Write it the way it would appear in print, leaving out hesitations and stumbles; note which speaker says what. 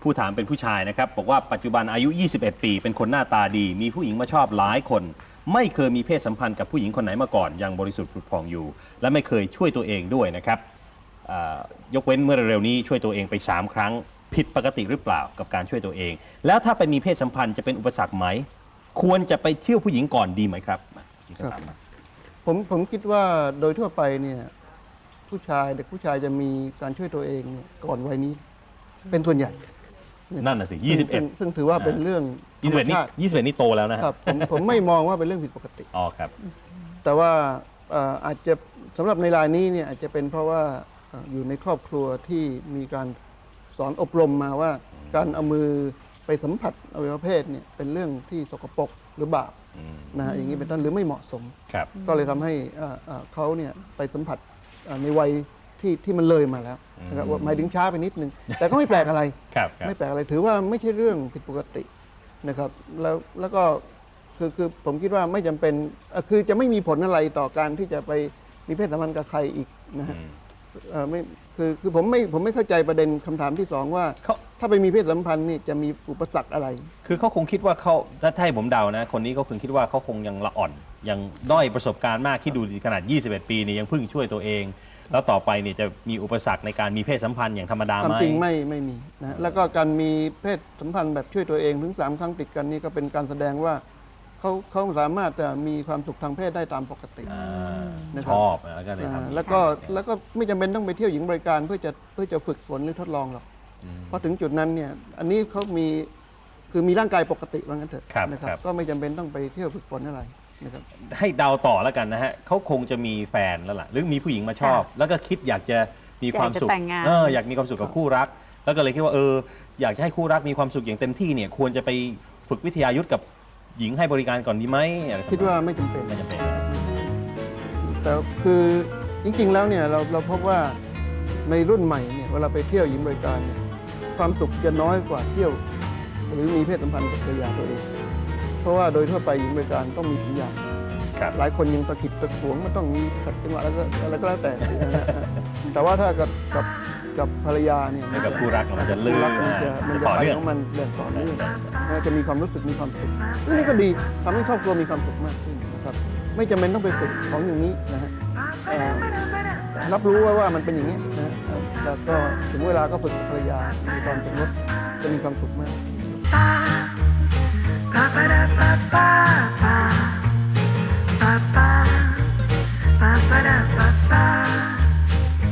Speaker 1: ผู้ถามเป็นผู้ชายนะครับบอกว่าปัจจุบันอายุ 21 ปี เป็นคนหน้าตาดี มีผู้หญิงมาชอบหลายคน ไม่เคยมีเพศสัมพันธ์กับผู้หญิงคนไหนมาก่อนยังบริสุทธิ์ผุดผ่องอยู่ และไม่เคยช่วยตัวเองด้วยนะครับยกเว้นเมื่อเร็วๆนี้ช่วยตัวเองไป3 ครั้งผิดปกติหรือเปล่ากับการช่วยตัวเอง แล้วถ้าไปมีเพศสัมพันธ์จะเป็นอุปสรรคไหมควรจะไปเที่ยวผู้หญิงก่อนดีไหมครับนี่ก็ถามมา
Speaker 2: ผมคิดว่าโดยทั่วไปเนี่ยเด็กผู้ชายจะมีการช่วยตัวเองเนี่ยก่อนวัยนี้เป็นส่วนใหญ่
Speaker 1: นั่นน่ะสิ
Speaker 2: ซึ่งถือว่าเป็นเรื่องธรรม
Speaker 1: 21นี่
Speaker 2: ชาติ
Speaker 1: 21นี่โตแล้วนะค
Speaker 2: ค
Speaker 1: รั
Speaker 2: รับ บผมไม่มองว่าเป็นเรื่องผิดปกติ
Speaker 1: อ๋อครับ
Speaker 2: แต่ว่าอาจจะสำหรับในรายนี้เนี่ยอาจจะเป็นเพราะว่าอยู่ในครอบครัวที่มีการสอนอบรมมาว่าการเอามือไปสัมผัสอวัยวะเพศเนี่ยเป็นเรื่องที่สกปรกหรือบาปนะฮะอย่างนี้เป็นต้นหรือไม่เหมาะสม
Speaker 1: ครับ
Speaker 2: ก็เลยทำให้เขาเนี่ยไปสัมผัสในวัยที่มันเลยมาแล้วนะครับว่าหมายถึงช้าไปนิดนึง แต่ก็ไม่แปลกอะไร
Speaker 1: ครับ
Speaker 2: ไม่แปลกอะไรถือว่าไม่ใช่เรื่องผิดปกตินะครับแล้วก็คือผมคิดว่าไม่จำเป็นคือจะไม่มีผลอะไรต่อการที่จะไปมีเพศสัมพันธ์กับใครอีกนะฮะไม่คือผมไม่เข้าใจประเด็นคำถามที่สองว่าถ้าไปมีเพศสัมพันธ์นี่จะมีอุปสรรคอะไร
Speaker 1: คือเขาคงคิดว่าเขาถ้าให้ผมเดานะคนนี้เขาคงคิดว่าเขาคงยังละอ่อนยังด้อยประสบการณ์มากที่ดูขนาด 21 ปีนี่ยังเพิ่งช่วยตัวเอง แล้วต่อไปนี่จะมีอุปสรรคในการมีเพศสัมพันธ์อย่างธรรมดา
Speaker 2: ควา
Speaker 1: ไห
Speaker 2: ม
Speaker 1: ม
Speaker 2: จริงไม่มีนะแล้วก็การมีเพศสัมพันธ์แบบช่วยตัวเองถึง3 ครั้งติดกันนี่ก็เป็นการแสดงว่าเขาสามารถจะมีความสุขทางเพศได้ตามปกติ นะค
Speaker 1: ช
Speaker 2: รับ
Speaker 1: อบแล้วก็เลยทำ
Speaker 2: แล้วก็ไม่จำเป็นต้องไปเที่ยวหญิงบริการเพื่อจะฝึกฝนหรือทดลองหรอกเพราะถึงจุดนั้นเนี่ยอันนี้เขามีร่างกายปกติว่างั้นเถอะนะครับก็ไม่จำเป็นต้องไปเที่ยวฝึกฝนอะไรนะครับ
Speaker 1: ให้เดาต่อแล้วกันนะฮะเขาคงจะมีแฟนแล้วล่ะหรือมีผู้หญิงมาชอบ แล้วก็คิดอยากจะมีความสุข
Speaker 3: อยากจะแต่งงาน
Speaker 1: อยากมีความสุขกับคู่รัก แล้วก็เลยคิดว่าอยากจะให้คู่รักมีความสุขอย่างเต็มที่เนี่ยควรจะไปฝึกวิทยายุทธกับหญิงให้บริการก่อนดีไหมอะไร
Speaker 2: คิดว่าไม่จำเป็น
Speaker 1: ไม่จำเป็น
Speaker 2: แต่คือจริงๆแล้วเนี่ยเราพบว่าในรุ่นใหม่เนี่ยเวลาไปเที่ยวหญิงบริการเนี่ยความสุขจะน้อยกว่าเที่ยว หรือมีเพศสัมพันธ์กับภรรยาตัวเอง เพราะว่าโดยทั่วไปหญิงบริการต้องมีสัญญาณ
Speaker 1: ครับ
Speaker 2: หลายคนยังตะขิดตะขวงมันต้องมีขัดจังหวะแล้วก็อะไรก็แล้วแต่นะฮะแต่ว่าถ้ากับภรรยาเนี่ย
Speaker 1: ให้กับคู่รักมันจะลื่น
Speaker 2: คู่รักมันจะ
Speaker 1: ต่อ
Speaker 2: ไป
Speaker 1: เนื่อง
Speaker 2: ของมันแบบต่อเนื่องจะมีความรู้สึกมีความสุขซึ่งนี่ก็ดีทำให้ครอบครัวมีความสุขมากขึ้นนะครับไม่จำเป็นต้องไปฝึกของอย่างนี้นะฮะรับรู้ว่ามันเป็นอย่างนี้นะฮะแล้วก็ถึงเวลาก็ฝึกกับภรรยาในตอนสมรสจะมีความสุขมาก
Speaker 4: Ba ba da ba ba ba